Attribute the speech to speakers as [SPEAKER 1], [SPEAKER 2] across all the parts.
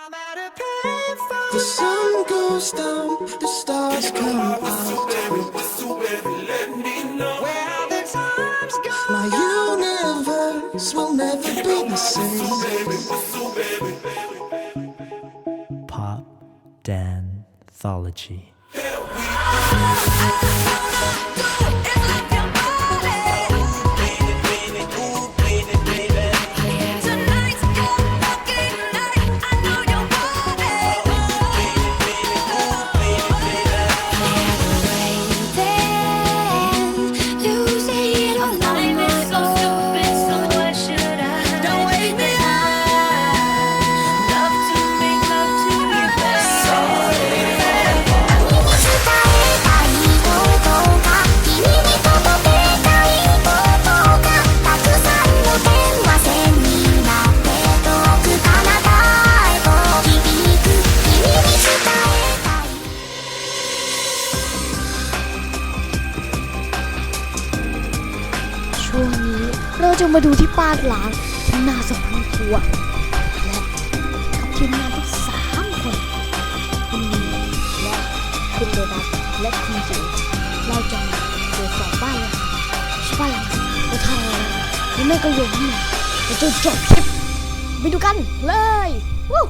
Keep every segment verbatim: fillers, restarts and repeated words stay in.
[SPEAKER 1] The sun goes down, the stars come out. My universe will never be the same.
[SPEAKER 2] Pop Danthology.
[SPEAKER 3] ช่วงนี้เราจะมาดูที่ป้านล้างที่น่าสะพรึงกลัวและกับทีมงานทั้งสามคนคุณลีและคุณโดนัทและคุณจิ๋วเราจะมาตรวจสอบบ้านล้างบ้านล้างเราทำอะไรหรือไม่ก็โยนที่ไหนเราจะจบคลิปไปดูกันเลยวู้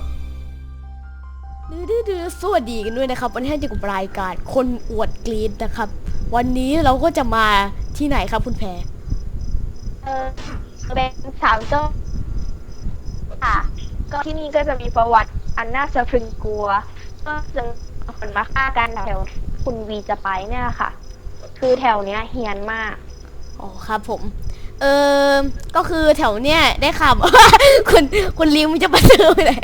[SPEAKER 3] ดื้อๆสวัสดีกันด้วยนะครับวันนี้จะกับรายการคนอวดกรีดนะครับวันนี้เราก็จะมาที่ไหนครับคุณแพร
[SPEAKER 4] เออเป็นสาวเจ้าค่ะก็ที่นี่ก็จะมีประวัติอันน่าสะพรึงกลัวก็จะคนมาฆ่ากันแถวคุณวีจะไปเนี่ยค่ะคือแถวเนี้ยเฮี้ยนมาก
[SPEAKER 3] อ๋อครับผมเออก็คือแถวเนี้ยได้ข่าว คุณคุณลิวมันจะมาเจอไปไหน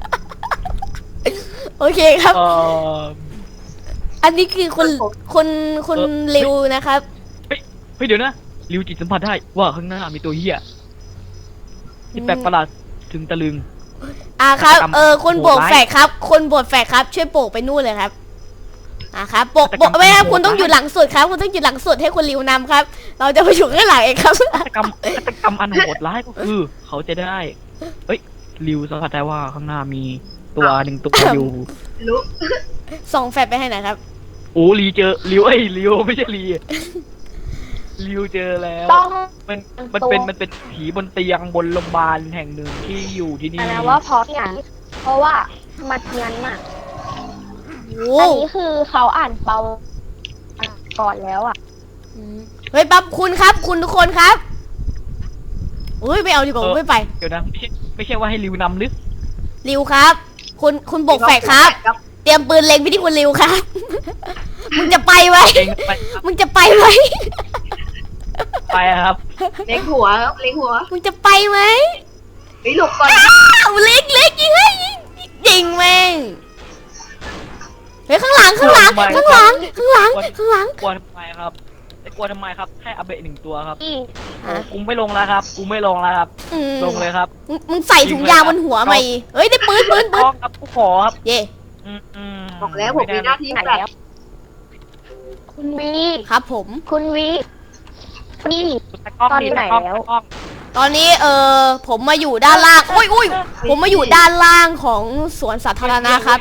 [SPEAKER 3] โอเคครับ อันนี้คือคนคนคนลิวนะครับ
[SPEAKER 5] เฮ้ยเฮ้ยเดี๋ยวนะริวจิตสัมผัสได้ว่าข้างหน้ามีตัวเหี้ยที่แปลกประหลาดถึงตะลึง
[SPEAKER 3] อ่าครับเออคนโบกแฝกครับคนโบกแฝกครับช่วยโบกไปนู่นเลยครับอ่าครับโบกโบกไม่ครับคุณต้องอยู่หลังสุดครับคุณต้องอยู่หลังสุดให้คุณลิวนำครับเราจะไปอยู่ข้างหลังเองครับ
[SPEAKER 5] ฆาตกรรมฆาตกรรมอันโหดร้ายก็คือเขาจะได้เฮ้ยริวสัมผัสได้ว่าข้างหน้ามีตัวหนึ่งตัวอยู่
[SPEAKER 3] ส่องแฟลชไปให้หน่อยครับ
[SPEAKER 5] โอ้ลีเจอริวเอ้ยริวไม่ใช่ลีริวเจอแล้วมันมันเป็นมันเป็นผีบนเตียงบนโรงพยาบาลแห่งหนึ่งที่อยู่ที่นี่
[SPEAKER 4] นะว่าเพราะอย่างเพราะว่ามันเฮี้ยนมากอันนี้คือเขาอ่านเปาก่อนแล้วอ่ะ
[SPEAKER 3] เฮ้ยปั๊บคุณครับคุณทุกคนครับอุ้ยไม่เอาดีกว่าไม่ไป
[SPEAKER 5] เดี๋ยวนะไม่ใช่ไม่ใช่ว่าให้ริวนำหรือ
[SPEAKER 3] ริวครับคุณคุณบกแฝกครับเตรียมปืนเล็งไปที่คุณริวครับมึงจะไปไหมมึงจะไปไหม
[SPEAKER 5] ไปครับ
[SPEAKER 4] เล็งหัวเล็งหัว
[SPEAKER 3] มึงจะไปไหม
[SPEAKER 4] ไปหลบก่อน
[SPEAKER 3] เล็กเล็กยิงให้ยิงแม่งเฮ้ยข้างหลังข้างหลังข้างหลังข้างหลังข้างหลัง
[SPEAKER 5] กลัวทำไมครับไอ้กลัวทำไมครับแค่อาเบะหนึ่งตัวครับกูไม่ลงแล้วครับกูไม่ลงแล้วครับลงเลยครับ
[SPEAKER 3] มึงใส่ถุงยางบนหัวไหมเฮ้ยได้ปืนปืนปืน
[SPEAKER 5] ครับกูขอครับ
[SPEAKER 3] เย่
[SPEAKER 4] บอกแล้วผมมีหน้าที่แบบคุณวี
[SPEAKER 3] ครับผม
[SPEAKER 4] คุณวีนี่ตอนไหนแล้ว
[SPEAKER 3] ตอนนี้เออผมมาอยู่ด้านล่างอุ้ยอุ้ยผมมาอยู่ด้านล่างของสวนสาธารณะครับ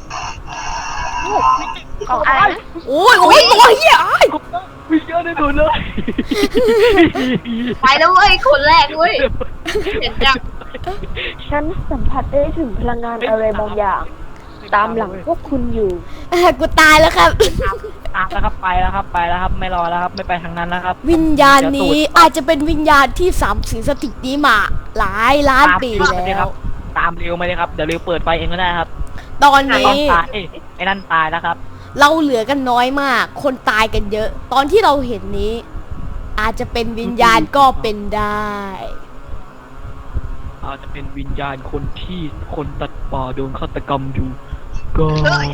[SPEAKER 4] ของอะไร
[SPEAKER 3] โอ้ยโอ้ยตัวเหี้ย
[SPEAKER 5] วิ่งเยอะได้ดูเลย
[SPEAKER 4] ไปแล้วเว้ยคนแรกเว้ยเห็นจังฉันสัมผัสได้ถึงพลังงานอะไรบางอย่างตามหลังพวกคุณอยู่
[SPEAKER 3] กูตายแล้วครับ
[SPEAKER 5] ตามแล้วครับไปแล้วครับไปแล้วครับไม่รอแล้วครับไม่ไปทางนั้นแล้วครับ
[SPEAKER 3] วิญญาณนี้อาจจะเป็นวิญญาณที่สามสิงสถิตนี้มาหลายล้านปีแล้ว
[SPEAKER 5] ตามเร็วมาเลยครับเดี๋ยวเร็วเปิดไฟเองก็ได้ครับ
[SPEAKER 3] ตอนนี้
[SPEAKER 5] ไอ้นั่นตายแล้วครับ
[SPEAKER 3] เราเหลือกันน้อยมากคนตายกันเยอะตอนที่เราเห็นนี้อาจจะเป็นวิญญาณก็เป็นได้
[SPEAKER 5] อาจจะเป็นวิญญาณคนที่คนตัดป่าโดนฆาตกรรมอยู่ก็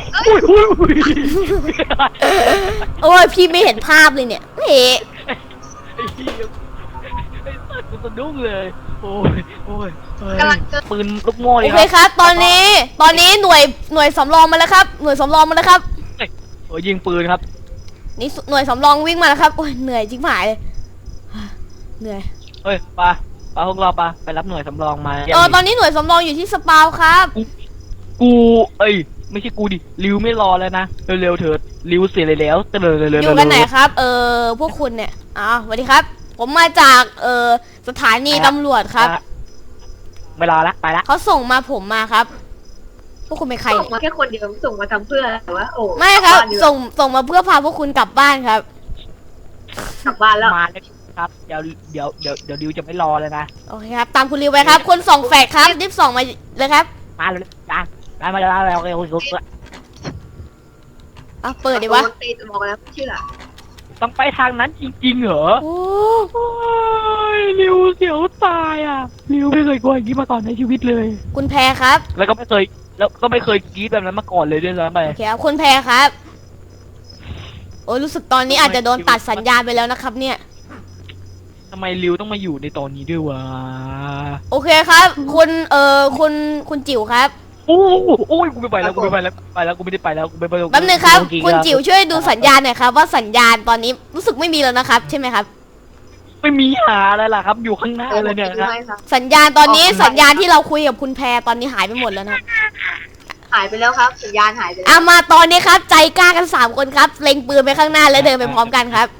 [SPEAKER 3] โอ้ยพี่ไม่เห็นภาพเลยเนี่ยเฮ้
[SPEAKER 5] ไอ้ไอ้สัตว์กูสะดุ้งเลยโอ้ยโอ้ยปืนลูกโม่เลยครับ
[SPEAKER 3] โอเคครับตอนนี้ตอนนี้หน่วยหน่วยสำรองมาแล้วครับหน่วยสำรองมาแล้วครับ
[SPEAKER 5] โอ้ยยิงปืนครับ
[SPEAKER 3] นี่หน่วยสำรองวิ่งมาแล้วครับโอ้ยเหนื่อยจริงหายเลยเหนื่อย
[SPEAKER 5] เฮ้ยปะปะพวกเราปะไปรับหน่วยสำรองมา
[SPEAKER 3] เออตอนนี้หน่วยสำรองอยู่ที่สปาวครับ
[SPEAKER 5] กูกูเอ้ยไม่ใช่กูดิริวไม่รอแล้วนะเร็วๆเถิดริวเสียเลยแล้วเร็วๆเร็วๆ
[SPEAKER 3] อยู่กันไหนครับ เออพวกคุณเนี่ยอ๋อสวัสดีครับ ผมมาจากเออสถานีตำรวจครับ
[SPEAKER 5] ไม่รอละไปละ
[SPEAKER 3] เขาส่งมาผมมาครับ พวกคุณเป็นใคร
[SPEAKER 6] ส่งมาแค่คนเดียวส่งมาทำเพื่ออะไรวะโอ้
[SPEAKER 3] ไม่ครับ
[SPEAKER 6] กลัานดีกว่า
[SPEAKER 3] ส่งส่งมาเพื่อพาพวกคุณกลับบ้านครับ
[SPEAKER 6] กลับบ้านแล้ว
[SPEAKER 5] มาแล้วครับเดี๋ยวเดี๋ยวเดี๋ยวเดี๋ยวริวจะไม่รอเลยนะ
[SPEAKER 3] โอเคครับ ตามคุณริวไปครับ คนส่งแฟกครับรีบส่งมาเลยครับ
[SPEAKER 5] มาเลยจ้ามามาแล้วแล้วแล้วแล้ว
[SPEAKER 3] อ่ะเปิดดิวะ
[SPEAKER 6] โนตีบอกแล้วไม่เชื่อ
[SPEAKER 5] ต้องไปทางนั้นจริงๆเหรอ
[SPEAKER 3] โอ้
[SPEAKER 5] โอ้ยริวเสียวตายอ่ะริวไม่เคยกลัวอย่างนี้มาก่อนในชีวิตเลย
[SPEAKER 3] คุณแพรครับ
[SPEAKER 5] แล้วก็ไม่เคยแล้วก็ไม่เคยกรี๊ดแบบนั้นมาก่อนเลยด้วยซ้ำไป
[SPEAKER 3] โอเคครับคุณแพรครับโอ้ยรู้สึกตอนนี้อาจจะโดนตัดสัญญาณไปแล้วนะครับเนี่ย
[SPEAKER 5] ทำไมริวต้องมาอยู่ในตอนนี้ด้วยวะ
[SPEAKER 3] โอเคครับ คุณเอ่อคุณคุณจิ๋วครับ
[SPEAKER 5] โอ้โอ้ยกูไม่ไปแล้วกูไม่ไปแล้วไปแล้วกูไม่ได้ไปแล้วกูไม่ไปแล้ว
[SPEAKER 3] แป๊บนึงครับ
[SPEAKER 5] กูกิน
[SPEAKER 3] คุณ
[SPEAKER 5] แล้ว
[SPEAKER 3] จิ๋วช่วยดูสัญญาณหน่อยครับว่าสัญญาณตอนนี้รู้สึกไม่มีแล้วนะครับ ใช่ไหมครับ
[SPEAKER 5] ไม่มีหาอะไรล่ะครับ อยู่ข้างหน้าเลยเนี่ยครับ
[SPEAKER 6] ไม่ครับ
[SPEAKER 3] สัญญาณตอนนี้สัญญาณที่เราคุยกับคุณแพรตอนนี้หายไปหมดแล้วนะครับ
[SPEAKER 6] หายไปแล้วครับสัญญาณหายไปแล้ว
[SPEAKER 3] เอามาตอนนี้ครับ ใจกล้ากันสามคนครับเล็งปืนไปข้างหน้าแล้วเดินไปพร้อมกันครับ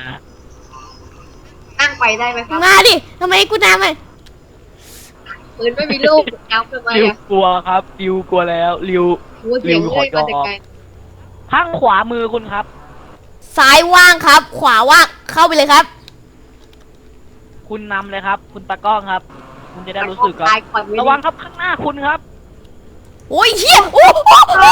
[SPEAKER 6] นั่งไปได้ไหมครับ
[SPEAKER 3] มาดิทำไมให้กูน้ำอ่ะ
[SPEAKER 6] ปืนไม่มีลูกเอาทำไม
[SPEAKER 5] ริว
[SPEAKER 6] อ่ะ
[SPEAKER 5] กลัวครับริวกลัวแล้วริว
[SPEAKER 6] โอ้ยเสียงเอ้ยมาแต่ไกล
[SPEAKER 5] ข้างขวามือคุณครับ
[SPEAKER 3] ซ้ายว่างครับ ขวาว่างเข้าไปเลยครับ
[SPEAKER 5] คุณนำเลยครับ คุณตากล้องครับ คุณจะได้รู้สึกครับ
[SPEAKER 6] ตายก่อนไม่
[SPEAKER 5] ระวังครับข้างหน้าคุณครับ
[SPEAKER 3] โอ้ยเฮียโอ้โห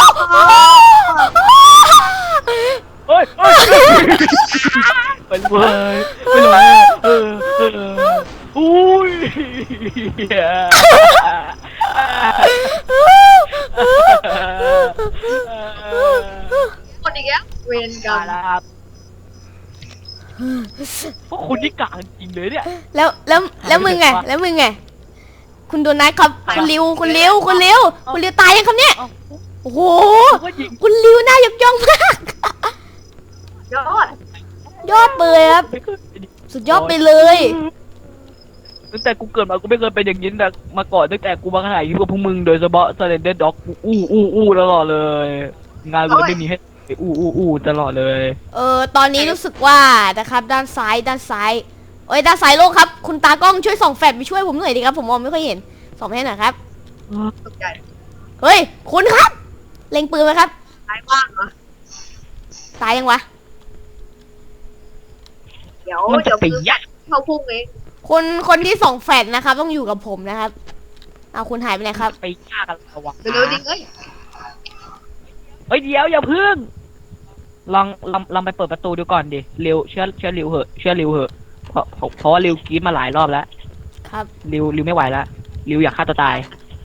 [SPEAKER 5] เฮ้ยเฮ้ยไปเลยไปเลยเออเอออุ้ย
[SPEAKER 6] คนอีกแล้วเวรกรร
[SPEAKER 5] มาม แล้วครับพวกคุณนี่กลางจริงเลยเนี่ย
[SPEAKER 3] แล้วแล้วแล้วมึงไงแล้วมึงไงคุณโดนัทครับคุณริวคุณริวคุณริวคุณริวตายยังครับเนี่ย
[SPEAKER 5] เอ้า
[SPEAKER 3] โอ้โห
[SPEAKER 5] ผมก็ยิง
[SPEAKER 3] คุณริวน่ายกย่องมาก
[SPEAKER 6] ยอด
[SPEAKER 3] ยอดไปเลยครับ
[SPEAKER 5] ไม่เคย
[SPEAKER 3] สุดยอดไปเลย
[SPEAKER 5] ตั้งแต่กูเกิดมากูไม่เคยเป็นอย่างนี้แต่มาก่อนตั้งแต่กูมาถ่ายคลิปกับพวกมึงโดยเฉพาะ Slender Dog อู้อู้อู้ตลอดเลย งานกูไม่มีให้อู้อู้อู้ตลอดเลย
[SPEAKER 3] เออตอนนี้รู้สึกว่านะครับด้านซ้ายด้านซ้ายเอ้ยด้านซ้ายโล่งครับคุณตากล้องช่วยส่องแฟลชไปช่วยผมหน่อยดิครับผมมองไม่ค่อยเห็นส่องให้หน่อยครับ
[SPEAKER 6] ตกใจ
[SPEAKER 3] เฮ้ยคุณครับเล็งปืนไหมครับ
[SPEAKER 6] ตายว่างเหรอ
[SPEAKER 3] ตายยังวะ
[SPEAKER 6] เดี๋ยว
[SPEAKER 5] มัน
[SPEAKER 6] เดี๋
[SPEAKER 5] จะ
[SPEAKER 6] ยว
[SPEAKER 5] ไป
[SPEAKER 6] ปืน
[SPEAKER 5] ยัด
[SPEAKER 6] เข้าพุ่งเอง
[SPEAKER 3] คนคนที่ส่องแฟลชนะครับ ต้องอยู่กับผมนะครับเอาคุณหายไปไหนครับ
[SPEAKER 5] ไปยากกันระวัง
[SPEAKER 6] เร็วๆดิเอ้ย
[SPEAKER 5] เฮ้ยเดี๋ยวอย่าพึ่งลองลองลองไปเปิดประตูดูก่อนดิเร็วเชื่อเชื่อริวเหอะเชื่อริวเหอะเพราะเพราะเพราะว่าริวกรีดมาหลายรอบแล้ว
[SPEAKER 3] ครับ
[SPEAKER 5] ริวริวไม่ไหวแล้วริวอยากฆ่าตัวตาย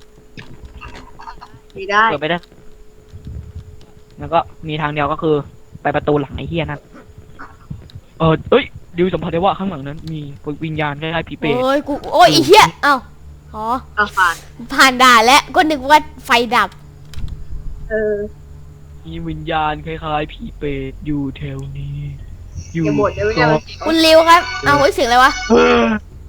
[SPEAKER 6] ไม่ได้
[SPEAKER 5] เปิดไปได้แล้วก็มีทางเดียวก็คือ ไปประตูหลังไอ้เหี้ยนั่นเออเอ้ยริวสัมผัสได้ว่าข้างหลังนั้น มีวิญญาณคล้ายๆผีเปรต
[SPEAKER 3] โอ้ยกูโอ้ยไอีเหี้ยเอ้าอ๋อ
[SPEAKER 6] เอาผ่าน
[SPEAKER 3] ผ่านด่านแล้วก็นึกว่าไฟดับ
[SPEAKER 6] เออ
[SPEAKER 5] มีวิญญาณคล้ายๆผีเปรตอยู่แถวนี้ อยู่
[SPEAKER 6] อย่าบ่นเดี๋ยวเนี่ยมัน
[SPEAKER 3] คุณริวครับเอาเฮ้ยเสียงอะไรวะ
[SPEAKER 5] เออ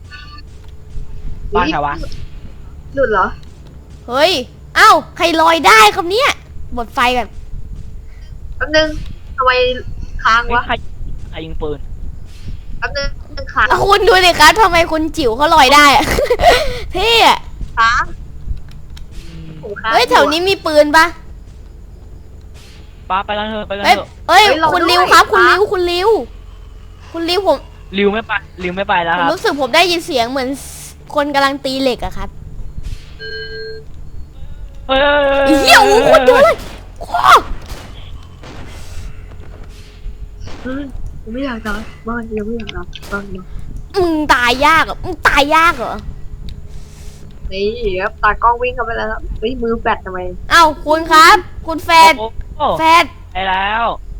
[SPEAKER 5] บ้านใครวะ
[SPEAKER 6] หลุดเหรอ
[SPEAKER 3] เฮ้ยเอ้าใครลอยได้ครับเนี่ยหมดไฟกัน
[SPEAKER 6] แป๊บนึงทำไมค้าง
[SPEAKER 5] เฮ้ยว
[SPEAKER 6] ะ
[SPEAKER 5] ใครใครยิงปืน
[SPEAKER 6] แป๊บนึงค้าง
[SPEAKER 3] อ่ะคุณดูดิครับทำไมคุณจิ๋วเขาลอยได้อะ เท่อะ
[SPEAKER 6] ค้าง
[SPEAKER 5] อืม
[SPEAKER 6] โอ้ค้าง
[SPEAKER 3] เฮ้ยแถวนี้มีปืนปะ
[SPEAKER 5] ป้าไปกันเถอะไปกัน
[SPEAKER 3] เฮ้ย
[SPEAKER 5] เถอะ
[SPEAKER 3] เฮ้ยคุณริวครับ คุณริวคุณริวคุณริวผม
[SPEAKER 5] ริวไม่ไปริวไม่ไปแล้ว
[SPEAKER 3] ผม
[SPEAKER 5] ครับ
[SPEAKER 3] รู้สึกผมได้ยินเสียงเหมือนคนกำลังตีเหล็กอะครับ
[SPEAKER 5] เฮ้ย
[SPEAKER 3] ไอ้เหี้ยโอ้โหคนเยอะเลยโอ้
[SPEAKER 6] เฮ้ยผมไม่อยากนอนบ้านยังไม่อยากนอนบ้านเนาะ
[SPEAKER 3] มึงตายยากเหรอมึงตายยากเหรอ
[SPEAKER 6] นี่ครับตากล้องวิ่งเข้าไปแล้วครับเฮ้ยมือแปดทำไม
[SPEAKER 3] เอ้าคุณครับ คุณแฟด
[SPEAKER 5] โอ้โห
[SPEAKER 3] แฟด
[SPEAKER 5] ไปแล้ว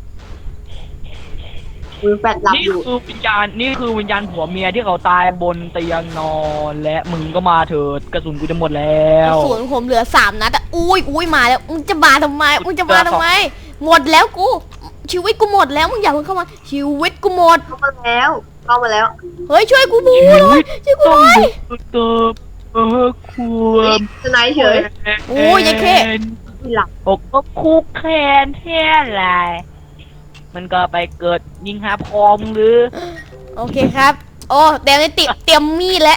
[SPEAKER 6] มือแปดหลับ
[SPEAKER 5] นี่
[SPEAKER 6] อยู่
[SPEAKER 5] คือวิญญาณนี่คือวิญญาณผัวเมียที่เขาตายบนเตียงนอนและมึงก็มาเถิดกระสุนกูจะหมดแล้
[SPEAKER 3] กระ
[SPEAKER 5] ว
[SPEAKER 3] สุนผมเหลือสามนัดอะอุ้ยอุ้ยมาแล้วมึงจะมาทำไมมึงจะมาทำไม หมดแล้วกู ชีวิตกูหมดแล้วมึงอย่าเพิ่งเข้ามาชีวิตกูหมด
[SPEAKER 6] เข้ามาแล้วเข้ามาแล้ว
[SPEAKER 3] เฮ้ยช่วยกูบูหน่อยช่วยกู
[SPEAKER 5] ต้
[SPEAKER 3] ห
[SPEAKER 5] อง
[SPEAKER 3] น่อย
[SPEAKER 5] ดูเติบเออคว
[SPEAKER 6] เฮ้ย
[SPEAKER 5] ม
[SPEAKER 6] สไนเฉย
[SPEAKER 3] โอ้ยยายเข้
[SPEAKER 6] มีหลัง
[SPEAKER 5] อกก็คุกแค้นแท้ไรมันก็ไปเกิดยิงหาพอมหรือ
[SPEAKER 3] โอเคครับ โอ้เดี๋ยวนี้ติเตรียมมีดแล้ว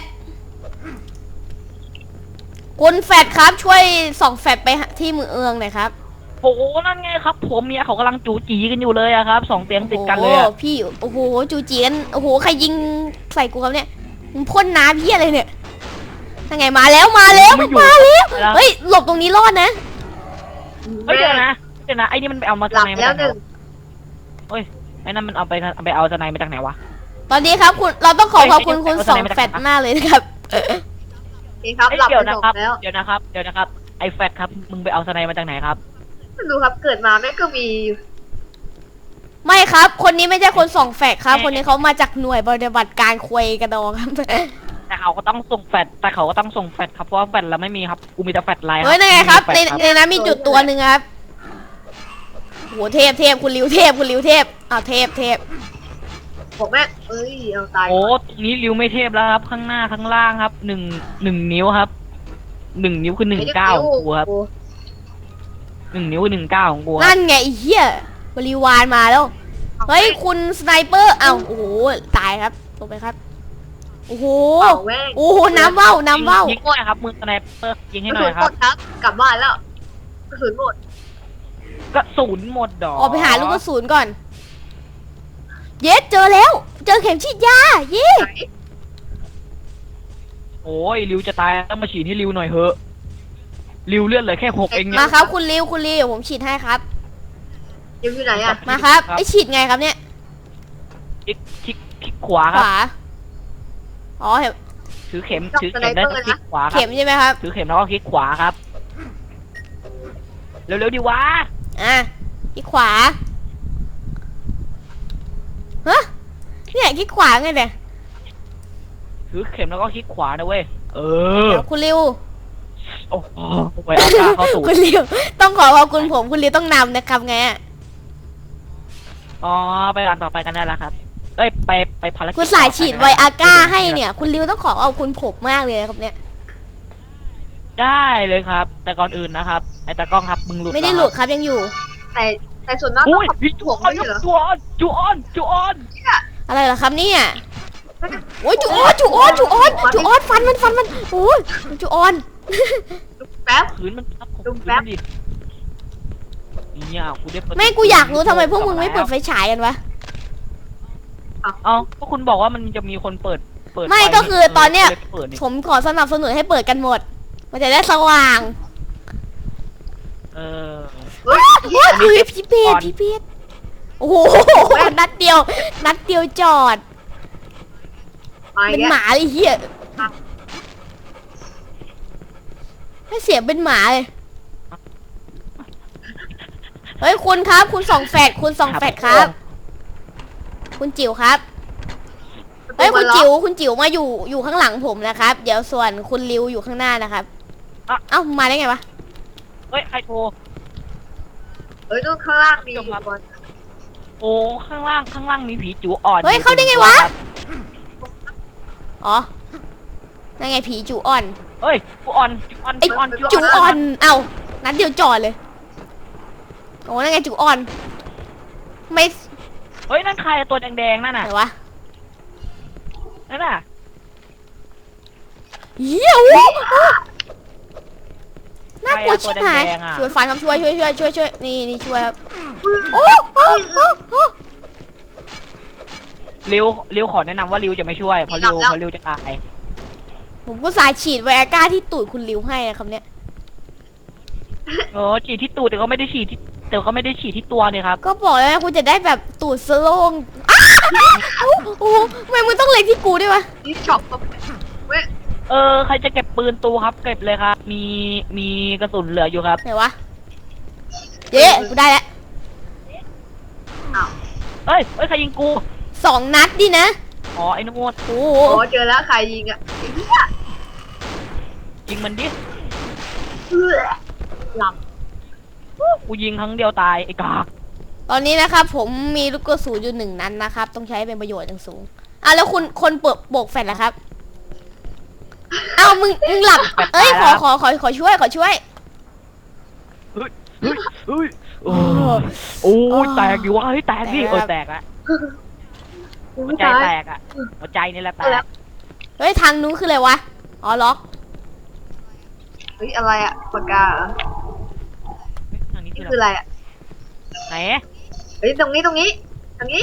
[SPEAKER 3] คุณแฟดครับช่วยส่องแฟดไปที่มือเอืองหน่อยครับ
[SPEAKER 5] โหนั่นไงครับผมเนี่ยเขากำลังจูจีกันอยู่เลยอะครับสองเตียงติดกันเลย
[SPEAKER 3] โอ้
[SPEAKER 5] อะ
[SPEAKER 3] โหพี่โอ้โหจูจีกันโอ้โหใครยิงใส่กูครับเนี่ยมึงพ่นน้ำเพี้ยอะไรเนี่ยยังไงมาแล้วมาแล้วมาแล้วเฮ้ยหลบตรงนี้รอดนะ
[SPEAKER 5] เฮ้ยเดี๋ยวนะเดี๋ยวนะไอ้นี่มันไปเอามา
[SPEAKER 6] ห
[SPEAKER 5] จาก
[SPEAKER 6] ลับ
[SPEAKER 5] ไหนมา
[SPEAKER 6] แล้ว
[SPEAKER 5] จากไห
[SPEAKER 6] ห
[SPEAKER 5] น
[SPEAKER 6] นึ่ง
[SPEAKER 5] วะเฮ้ยไอ้นั่นมันเอาไปเอาไปเอาจากไหนมาจากไหนวะ
[SPEAKER 3] ตอนนี้ครับคุณเราต้องขอ
[SPEAKER 5] เฮ้ย
[SPEAKER 3] ขอบคุณ
[SPEAKER 5] เดี๋ยว
[SPEAKER 3] คุณ
[SPEAKER 5] เอา
[SPEAKER 3] สอง
[SPEAKER 5] สไนเปอร์
[SPEAKER 3] แฟดมากเลยนะครับ
[SPEAKER 6] นี่ครับ
[SPEAKER 5] เฮ้ย
[SPEAKER 6] หลับ
[SPEAKER 5] เดี๋ยว
[SPEAKER 6] ไป
[SPEAKER 5] นะ
[SPEAKER 6] สอง
[SPEAKER 5] ครับ
[SPEAKER 6] แล้ว
[SPEAKER 5] เดี๋ยวนะครับเดี๋ยวนะครับไอ้แฟดครับมึงไปเอาสไนมาจากไหนครับ
[SPEAKER 6] ดูครับเกิดมาแม่งก็มี
[SPEAKER 3] ไม่ครับ คนนี้ไม่ใช่คนสองแฟดครับ คนนี้เขามาจากหน่วยปฏิบัติการควยกระดองครับ
[SPEAKER 5] แต่เขาก็ต้องส่งแฟดแต่เขาก็ต้องส่งแฟดครับเพราะว่าแฟดเราไม่มีครับกูมีแต่แฟดไลน์
[SPEAKER 3] เฮ้ยนั่นไงครับ ใน
[SPEAKER 5] ม่มีแฟลช
[SPEAKER 3] ในนั้นมีจุดตัวหนึ่งครับโหเทพเทพคุณริวเทพคุณริวเทพอ้าวเทพเทพ
[SPEAKER 6] ผมแม่งเอ้ยเอาตาย
[SPEAKER 5] โอ้ตรงนี้ริวไม่เทพแล้วครับ ข้างหน้าข้างล่างครับหนึ่งหนึ่งนิ้วครับหนึ่งนิ้วคือหนึ่งเก้าของกูครับหนึ่งนิ้วคือหนึ่งเก้าของกูครับ
[SPEAKER 3] นั่นไงไอ้เหี้ยบริวารมาแล้ว เฮ้ยคุณสไนเปอร์อ้าวโอ้โหตายครับลงไปครับโอ้โห
[SPEAKER 6] เป่าแม่ง
[SPEAKER 3] โอ้โหน้ำเว้าน้ำเว้า
[SPEAKER 5] ยิงหน่อยครับมือสไนเปอร์ยิง
[SPEAKER 6] ก
[SPEAKER 5] ให้
[SPEAKER 6] ระ
[SPEAKER 5] หน่
[SPEAKER 6] สุ
[SPEAKER 5] อน ยค
[SPEAKER 6] หม
[SPEAKER 5] รับ
[SPEAKER 6] ดครับกลับบ้านแล้วกระสุนหมด
[SPEAKER 5] กระสุนหมดดอก
[SPEAKER 3] ออกไปหาลูกกระสุนก่อน เย็ดเจอแล้ว เจอเข็มฉีดยาเย้
[SPEAKER 6] ไหน
[SPEAKER 5] โอ้ยริวจะตายต้องมาฉีดให้ริวหน่อยเถอะริวเลือดเหลือแค่หกเองเนี่
[SPEAKER 3] มาย ครับคุณริวคุณริวเดี๋ยวผมฉีดให้ครับ
[SPEAKER 6] ยังอยู่ไหนอ่ะ
[SPEAKER 3] มาครับไอฉีดไงครับเนี่ย
[SPEAKER 5] คลิกคลิกคลิกขวา
[SPEAKER 3] ข
[SPEAKER 5] ครับ
[SPEAKER 3] วาอ๋อเห็น
[SPEAKER 5] ถือเข็มถือเข็มได้ก็คลิกขวาครั
[SPEAKER 3] เข็
[SPEAKER 5] บ
[SPEAKER 3] มใช่ไหมครับ
[SPEAKER 5] ถือเข็มแล้วก็คลิกขวาครับเร็วๆดิวะ
[SPEAKER 3] อ่ะคลิกขวาฮะเนี่ยคลิกขวาไงเนี่ย
[SPEAKER 5] ถือเข็มแล้วก็คลิกขวานะเว้ยเออ
[SPEAKER 3] เดี๋ยวคุณริว
[SPEAKER 5] โอ้โหไปเอาตาเข้าสู่
[SPEAKER 3] คุณริวต้องขอขอบคุณผมคุณริวต้องนำนะครับไงอะ
[SPEAKER 5] อ๋อไปอ่านต่อไปกันได้แล้วครับเอ้ยไปไปภารกิจ
[SPEAKER 3] คุณสายฉีดไวอาก้าให้เนี่ย คุณริวต้องขอขอบคุณผมมากเลยนะครับเนี่ย
[SPEAKER 5] ได้เลยครับ แต่ก่อนอื่นนะครับไอ้ตากล้องครับมึงหลุด
[SPEAKER 3] ไม่ได้หลุดครับยังอยู่
[SPEAKER 6] แต่แต่ส่วนมาก
[SPEAKER 5] อุ้ย
[SPEAKER 6] เขา
[SPEAKER 5] พี่
[SPEAKER 6] ถ่
[SPEAKER 5] จู
[SPEAKER 6] ว
[SPEAKER 5] อง อน
[SPEAKER 6] ไม่ใช่เหรอ
[SPEAKER 5] จูออนจูออนจูออน
[SPEAKER 3] อะไรเหรอครับเนี่ยโอ้ยจูออนจูออนจูออนจูออนฟันมันฟันมันโอ้ยจูออน
[SPEAKER 6] แป๊บ
[SPEAKER 5] ขืนมันครับผม
[SPEAKER 6] ดู
[SPEAKER 5] ขืน
[SPEAKER 6] แป๊บ
[SPEAKER 5] มันดิเนี่ยกูได้เปิด
[SPEAKER 3] ไม่กูอยากรู้ทำไมพวกมึงไม่เปิดไฟฉายกันวะ
[SPEAKER 5] เอ้าก็คุณบอกว่ามันจะมีคนเปิดเปิด
[SPEAKER 3] ไม่
[SPEAKER 5] ฟ
[SPEAKER 3] ก็คือตอนเนี้ย
[SPEAKER 5] ลเปิดนี่
[SPEAKER 3] ผมขอสนับสนุนให้เปิดกันหมด มันจะได้สว่าง
[SPEAKER 5] เออ
[SPEAKER 6] เฮ้ย
[SPEAKER 3] โอ้ยคือพี่เปียดพี่เปียดโอ้โหนัดเดียว นัดเดียวจอด
[SPEAKER 6] มา
[SPEAKER 3] เป็น
[SPEAKER 6] แย
[SPEAKER 3] หมาเลยเฮียให้เสียงเป็นหมาเลย เฮ้ยคุณครับ คุณสองแฟดคุณสองแฟดครับ คุณจิ๋วครับเฮ้ยคุณจิ๋วคุณจิ๋วมาอยู่อยู่ข้างหลังผมนะครับ เดี๋ยวส่วนคุณริวอยู่ข้างหน้านะครับ เอ้ามาได้ไงวะ
[SPEAKER 5] เฮ้ยใครโทร
[SPEAKER 6] เฮ้ยนู่นข้างล่างมี
[SPEAKER 5] จบครับ
[SPEAKER 6] บอล
[SPEAKER 5] โอ้ข้างล่างข้างล่างมีผีจูอ่อน
[SPEAKER 3] เฮ้ยเข้าได้ไงวะ อ๋อนั่นไงผีจูอ่อน
[SPEAKER 5] เฮ้ยจูอ่อนจูอ่อน
[SPEAKER 3] ไอ้
[SPEAKER 5] จูอ่อน
[SPEAKER 3] จูอ่อน เอ้านัดเดียวจอดเลย โอ้นั่นไงจูอ่อน ไม่
[SPEAKER 5] เฮ้ยนั่นใครอะตัวแดงๆนั่น
[SPEAKER 3] ไหน
[SPEAKER 5] น่ะ
[SPEAKER 3] วะ
[SPEAKER 5] นั่นน่ะ
[SPEAKER 3] เหี้ยโอ้โหน่ากลัวชิบหายช่วยฟันครับช่วยช่วยช่วยช่วยช่วยนี่นี่ช่วยครับโอ้โอ้โอ้โอ้
[SPEAKER 5] ริวริวขอแนะนำว่าริวจะไม่ช่วยเพราะริวเพราะริวจะตาย
[SPEAKER 3] ผมก็สายฉีดไวอาก้าที่ตูดคุณริวให้นะครับเนี่ย
[SPEAKER 5] เออฉีดที่ตูดแต่ก็ไม่ได้ฉีดที่แต่ก็ไม่ได้ฉีดที่ตัวเนี่ยครับ
[SPEAKER 3] ก็บอกแล้วนะคุณจะได้แบบตูดสโลงอ้าโอ้โหทำไมมึงต้องเล็งที่กูด้วยวะ
[SPEAKER 6] นี่ช็อปก็เว้ย
[SPEAKER 5] เออใครจะเก็บปืนตูครับเก็บเลยครับ มีมีกระสุนเหลืออยู่ครับ
[SPEAKER 3] ไหนวะเย้กูได้แล้ว
[SPEAKER 6] อ้าว
[SPEAKER 5] เอ้ยเอ้ยใครยิงกู
[SPEAKER 3] สองนัดดินะ
[SPEAKER 5] อ๋อไอ้นโมด
[SPEAKER 3] โอ้โห
[SPEAKER 6] โอ้เจอแล้วใครยิงอ่ะไอ้เหี้ย
[SPEAKER 5] ยิงมันดิ
[SPEAKER 6] เอื้อหลับ
[SPEAKER 5] กูยิงครั้งเดียวตายไอ้กาก
[SPEAKER 3] ตอนนี้นะครับผมมีลูกกระสุนอยู่หนึ่งนัดนะครับ ต้องใช้เป็นประโยชน์อย่างสูงอ่ะแล้วคุณคนเปิดโบกแฟลชล่ะครับเอ้ามึงมึงหลับเอ้ยขอขอขอขอช่วยขอช่วย
[SPEAKER 5] เฮ้ยเฮ้ยเฮ้ยโอ้ยโอ้ยแตกดิวะเฮ้ยแตกดิเออแตกละ
[SPEAKER 6] กู
[SPEAKER 5] หัว
[SPEAKER 6] ไม่
[SPEAKER 5] ใจ
[SPEAKER 6] ตาย
[SPEAKER 5] แตกอ่ะหัวใจนี่แหละแตก
[SPEAKER 3] เฮ้ยทางนู้นคืออะไรวะอ๋อล็อก
[SPEAKER 6] เฮ้ยอะไรอะปากกาเหรอ
[SPEAKER 5] ทางนี้
[SPEAKER 6] นี่
[SPEAKER 5] คือ
[SPEAKER 6] คือ
[SPEAKER 5] อะไร
[SPEAKER 6] อะไรอะ
[SPEAKER 5] ไหน
[SPEAKER 6] เฮ้ยตรงนี้ตรงนี้ตรงนี้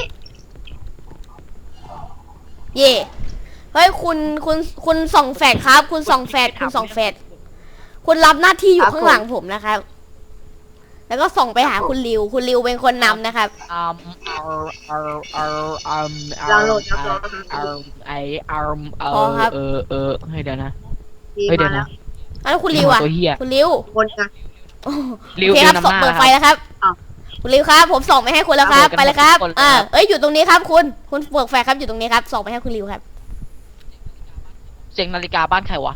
[SPEAKER 3] เย่เฮ้ยคุณคุณคุณส่องแฟดครับ คุณส่องแฟดคุณส่องแฟดคุณรับหน้าที่อยู่ข้างหลังผมนะครับ แล้วก็ส่องไปหาคุณริว คุณริวเป็นคนนำนะครับ
[SPEAKER 5] อืมเอาเอาเอาเอาเอา
[SPEAKER 6] ดาวน์โหลดครับรอ
[SPEAKER 5] เอาไอเอาเอ
[SPEAKER 3] พอ
[SPEAKER 5] อ
[SPEAKER 3] ครับ
[SPEAKER 5] เออเออให้เดี๋ยวนะ
[SPEAKER 6] ดี
[SPEAKER 5] เฮ้ยเดี๋
[SPEAKER 6] มา
[SPEAKER 5] ยว
[SPEAKER 6] แล้
[SPEAKER 5] นะ
[SPEAKER 6] ว
[SPEAKER 3] แล้วคุณริวอ่ะ
[SPEAKER 5] ตัวเหี้ย
[SPEAKER 3] คุณริว
[SPEAKER 6] บนกัน
[SPEAKER 3] โอ้
[SPEAKER 5] ริว
[SPEAKER 3] โอเคครับ
[SPEAKER 5] ริวนำ
[SPEAKER 3] ส่อง
[SPEAKER 5] หน้า
[SPEAKER 3] เปิดไฟแล้วครับ
[SPEAKER 6] อ้าว
[SPEAKER 3] คุณริวครับ ผมส่องไปให้คุณแล้วครับ
[SPEAKER 5] เอา
[SPEAKER 3] ไปเลยครับ
[SPEAKER 5] หมดเลย
[SPEAKER 3] อ่า
[SPEAKER 5] ครับ
[SPEAKER 3] เอ้ยอยู่ตรงนี้ครับ คุณคุณเปิดไฟครับอยู่ตรงนี้ครับส่องไปให้คุณริวครับ
[SPEAKER 5] เสียงนาฬิกาบ้านใครวะ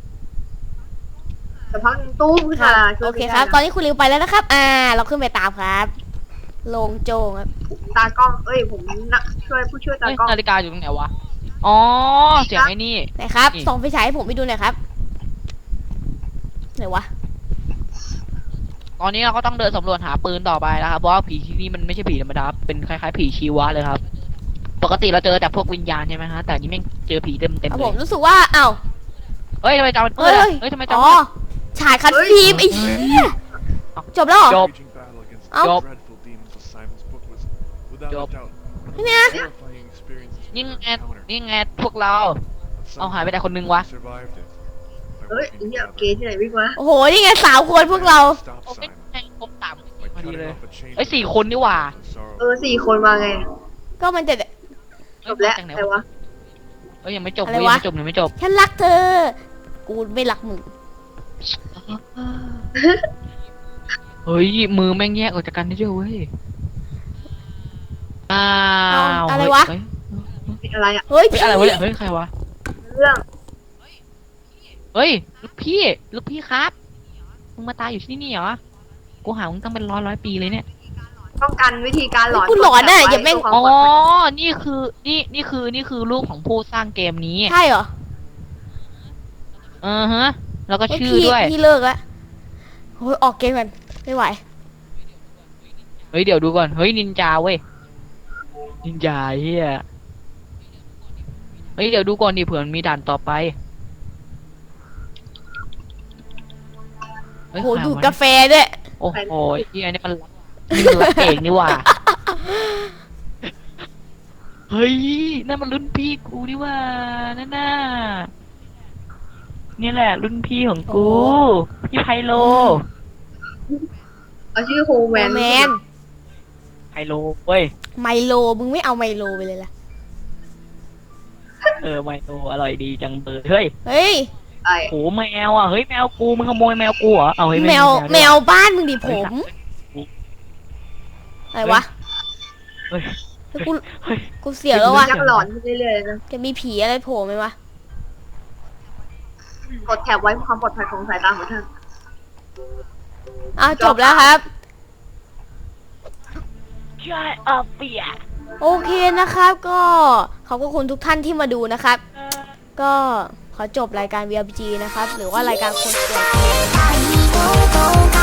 [SPEAKER 6] แต่พักหนึ่งตู้ขึ้นมาช่วย
[SPEAKER 3] โอเค
[SPEAKER 6] ไม่ได้
[SPEAKER 3] ครับ
[SPEAKER 6] นะ
[SPEAKER 3] ตอนนี้คุณริวไปแล้วนะครับ อ่า เราขึ้นไปตามครับลงโจงครับ
[SPEAKER 6] ตากล้องเอ้ยผมนักช่วยผู้ช่วยตา
[SPEAKER 5] เฮ้ย
[SPEAKER 6] กล้อง
[SPEAKER 5] นาฬิกาอยู่ตรงไหนวะอ๋อเสียงไอ้นี่
[SPEAKER 3] ไหนครับ
[SPEAKER 5] นี่
[SPEAKER 3] ส่องไฟฉายให้ผมไปดูหน่อยครับไหนวะ
[SPEAKER 5] ตอนนี้เราก็ต้องเดินสำรวจหาปืนต่อไปนะครับเพราะว่าผีที่นี่มันไม่ใช่ผีธรรมดาเป็นคล้ายๆผีชีวะเลยครับ ปกติเราเจอแต่พวกวิญญาณใช่ไหมฮะแต่อันนี้แม่งเจอผีเต็มเต็ม
[SPEAKER 3] ครับ
[SPEAKER 5] เล
[SPEAKER 3] ผม
[SPEAKER 5] ย
[SPEAKER 3] รู้สึกว่าอ้าว
[SPEAKER 5] เฮ้ยทำไมจอมันมื
[SPEAKER 3] เฮ้
[SPEAKER 5] ด
[SPEAKER 3] ย
[SPEAKER 5] อะเฮ้ยทำไมจอ
[SPEAKER 3] อ๋
[SPEAKER 5] มั
[SPEAKER 3] อน ฉายคัดฟิล์มไอ้เหี้ยจบแล้วเหรอ
[SPEAKER 5] จบ
[SPEAKER 7] Waging battle against
[SPEAKER 3] Oh.
[SPEAKER 7] the
[SPEAKER 5] Job.
[SPEAKER 7] dreadful demons of Simon's book was, without
[SPEAKER 5] Job.
[SPEAKER 7] a doubt, the most
[SPEAKER 3] Yeah.
[SPEAKER 7] terrifying experience this
[SPEAKER 5] นี่
[SPEAKER 7] man
[SPEAKER 5] ไง
[SPEAKER 7] encountered.
[SPEAKER 5] นี่ไงพวกเรา
[SPEAKER 7] But
[SPEAKER 5] เอาหายไป
[SPEAKER 7] somehow
[SPEAKER 5] แต่คนนึงวะ
[SPEAKER 7] we survived it. By
[SPEAKER 6] เฮ้ย
[SPEAKER 7] working
[SPEAKER 6] ไอ้เหี้ย
[SPEAKER 7] together,
[SPEAKER 6] เกย์ที่ไหนวิ่งมา
[SPEAKER 3] โอ้โหนี่ไงสาวคนพวกเรา
[SPEAKER 7] we stopped
[SPEAKER 5] โอ้ย
[SPEAKER 7] Simon
[SPEAKER 5] แม่งครบสาม
[SPEAKER 7] by
[SPEAKER 5] พอดี
[SPEAKER 7] cutting
[SPEAKER 5] เลย
[SPEAKER 7] off a chain
[SPEAKER 5] เอ้ย
[SPEAKER 7] of
[SPEAKER 5] สี่คนนี่หว่า
[SPEAKER 7] and sorrow.
[SPEAKER 6] เออสี่คนมาไง
[SPEAKER 3] ก็มันจะ
[SPEAKER 6] จบแล้ว
[SPEAKER 5] จากไหน
[SPEAKER 6] ใครวะ
[SPEAKER 5] เอ้ยยังไม่จบ
[SPEAKER 3] อะไร
[SPEAKER 5] เว้ยว
[SPEAKER 3] ะ
[SPEAKER 5] ยังไม่จบยังไม่จบ
[SPEAKER 3] ฉันรักเธอ กูไม่รักมึง
[SPEAKER 5] เฮ้ยมือแม่งแยกออกจากกันได้ด้วยเว้ยอ้าว
[SPEAKER 3] เอาอะไรวะ
[SPEAKER 5] เฮ้ย
[SPEAKER 6] อะไรอะ
[SPEAKER 3] เฮ้ย
[SPEAKER 5] เฮ้ยอะไรวะเนี่ยเฮ้ยใครวะ
[SPEAKER 6] เรื่อง
[SPEAKER 5] เฮ้ยลูกพี่ลูกพี่ครับมึงมาตายอยู่ที่นี่เหรอกูหามึงตั้งเป็นร้อยร้อยปีเลยเนี่ย
[SPEAKER 6] ต้องกันวิธีการหลอน
[SPEAKER 3] กูหลอนน่ะ
[SPEAKER 6] กด
[SPEAKER 3] อย่าแม่ง
[SPEAKER 6] ไว้
[SPEAKER 5] อ๋อ
[SPEAKER 6] เพื่ความปลอดภัย
[SPEAKER 5] นี่คือนี่นี่คือนี่คือลูกของผู้สร้างเกมนี้
[SPEAKER 3] ใช่เหรอ
[SPEAKER 5] อือฮะแล้วก็
[SPEAKER 3] เฮ้ย
[SPEAKER 5] ชื่อ
[SPEAKER 3] พี่
[SPEAKER 5] ด้วย
[SPEAKER 3] พี่เลิกแล้วโอ้ยออกเกมกันไม่ไหว
[SPEAKER 5] เฮ้ยเดี๋ยวดูก่อน เฮ้ยนินจาเว้ย นินจาเฮียเฮ้ยเดี๋ยวดูก่อนดิเผื่อมันมีด่านต่อไปเฮ้
[SPEAKER 3] โอ้
[SPEAKER 5] ย
[SPEAKER 3] โห
[SPEAKER 5] ใคร
[SPEAKER 3] ดูด
[SPEAKER 5] วะ
[SPEAKER 3] กาแฟด้วย
[SPEAKER 5] โอ้โหเฮียนี่มันนี่มันรักเองนี่หว่า เฮ้ยนั่นมันรุ่นพี่กูนี่หว่านั่นน่ะนี่แหละรุ่นพี่ของกู พี่ไพโล
[SPEAKER 6] เอาชื่อโฮแมน
[SPEAKER 3] แมน
[SPEAKER 5] ไพโลเว้ย
[SPEAKER 3] ไมโลมึงไม่เอาไมโลไปเลยล่ะ
[SPEAKER 5] เออไมโลอร่อยดีจังเลยเฮ้ย
[SPEAKER 3] เฮ้ย
[SPEAKER 6] ไอ้
[SPEAKER 5] โหแมวอ่ะเฮ้ยแมวกูมึงขโมยแมวกูเหรอเอาเฮ้ย
[SPEAKER 3] แมว
[SPEAKER 5] ด้วย
[SPEAKER 3] แมวบ้านมึงดิผ
[SPEAKER 5] เฮ้ย
[SPEAKER 3] มอะไรวะ
[SPEAKER 5] เฮ้ย
[SPEAKER 3] เฮ้ยกู
[SPEAKER 5] เฮ้ย
[SPEAKER 3] กูเสียวแล้ววะ
[SPEAKER 6] ยักษ์หลอนขึ้นเรื่อยๆนะ
[SPEAKER 3] จะมีผีอะไรโผล่ไหมวะ
[SPEAKER 6] กดแถบไว้เพื่อความปลอดภัยของสายตาของท่าน
[SPEAKER 3] อ้าวจบแล้วครับ
[SPEAKER 5] ใช่เออเปีย
[SPEAKER 3] โอเคนะครับก็ขอบคุณทุกท่านที่มาดูนะครับ ก็ขอจบรายการ วี อาร์ พี จี นะครับ หรือว่ารายการคนสวย
[SPEAKER 1] I go, go, go.